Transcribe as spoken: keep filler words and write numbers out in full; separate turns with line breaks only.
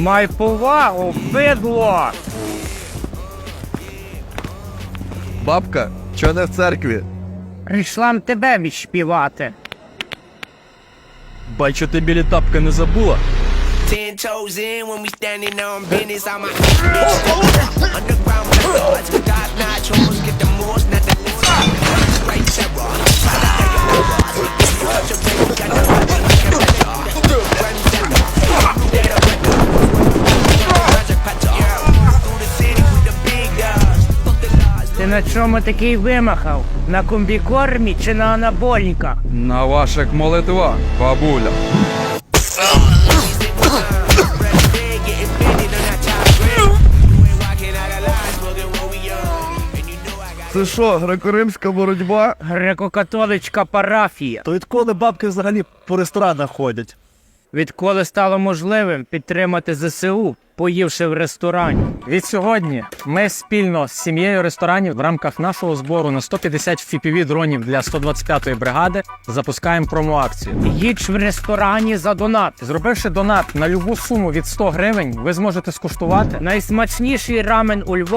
Май повагу, бидло!
Бабка, чо не в церкві?
Прийшла м тебе відшпівати.
Бачу, ти білі тапки не забула.
Ten toes in when we standing on business. I'm a bitch. Underground methods, top notch hoes, get the most, not the least. Right terror, try to take your morals. Such a baby, got the body like a better. Run center, dead or better. Project Pato, through the city with the big dogs. Fuck the laws.
Ти на чому такий вимахав? На комбікормі чи на анаболіках?
На ваших молитвах, бабуля. Це що, греко-римська боротьба?
Греко-католицька парафія.
То відколи бабки взагалі по ресторанах ходять?
Відколи стало можливим підтримати зе се у, поївши в ресторані.
Від сьогодні ми спільно з сім'єю ресторанів в рамках нашого збору на сто п'ятдесят еф пі ві дронів для сто двадцять п'ятої бригади запускаємо промо-акцію.
Їдь в ресторані за донат.
Зробивши донат на любу суму від сто гривень, ви зможете скуштувати
Найсмачніший рамен у Львові.